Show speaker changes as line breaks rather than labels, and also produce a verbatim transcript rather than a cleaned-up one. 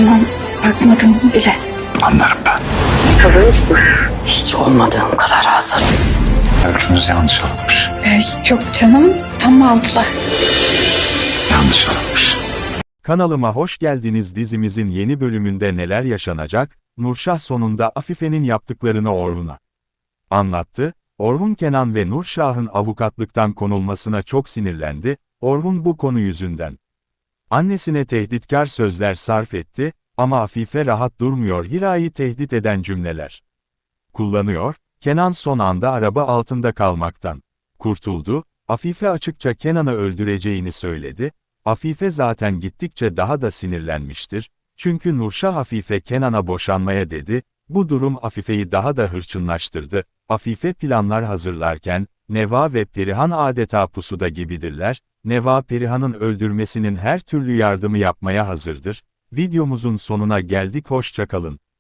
Tamam, bakmadım bile.
Anlarım ben.
Hazır mısın?
Hiç olmadığım kadar hazırım.
Ölçünüz yanlış alınmış.
Ee, yok canım, tam altılar.
Yanlış alınmış.
Kanalıma hoş geldiniz. Dizimizin yeni bölümünde neler yaşanacak? Nurşah sonunda Afife'nin yaptıklarını Orhun'a anlattı. Orhun, Kenan ve Nurşah'ın avukatlıktan konulmasına çok sinirlendi. Orhun bu konu yüzünden annesine tehditkar sözler sarf etti ama Afife rahat durmuyor, Hira'yı tehdit eden cümleler kullanıyor. Kenan son anda araba altında kalmaktan kurtuldu. Afife açıkça Kenan'ı öldüreceğini söyledi. Afife zaten gittikçe daha da sinirlenmiştir. Çünkü Nurşah Afife Kenan'a boşanmaya dedi. Bu durum Afife'yi daha da hırçınlaştırdı. Afife planlar hazırlarken, Neva ve Perihan adeta pusuda gibidirler. Neva, Perihan'ın öldürmesinin her türlü yardımı yapmaya hazırdır. Videomuzun sonuna geldik, hoşça kalın.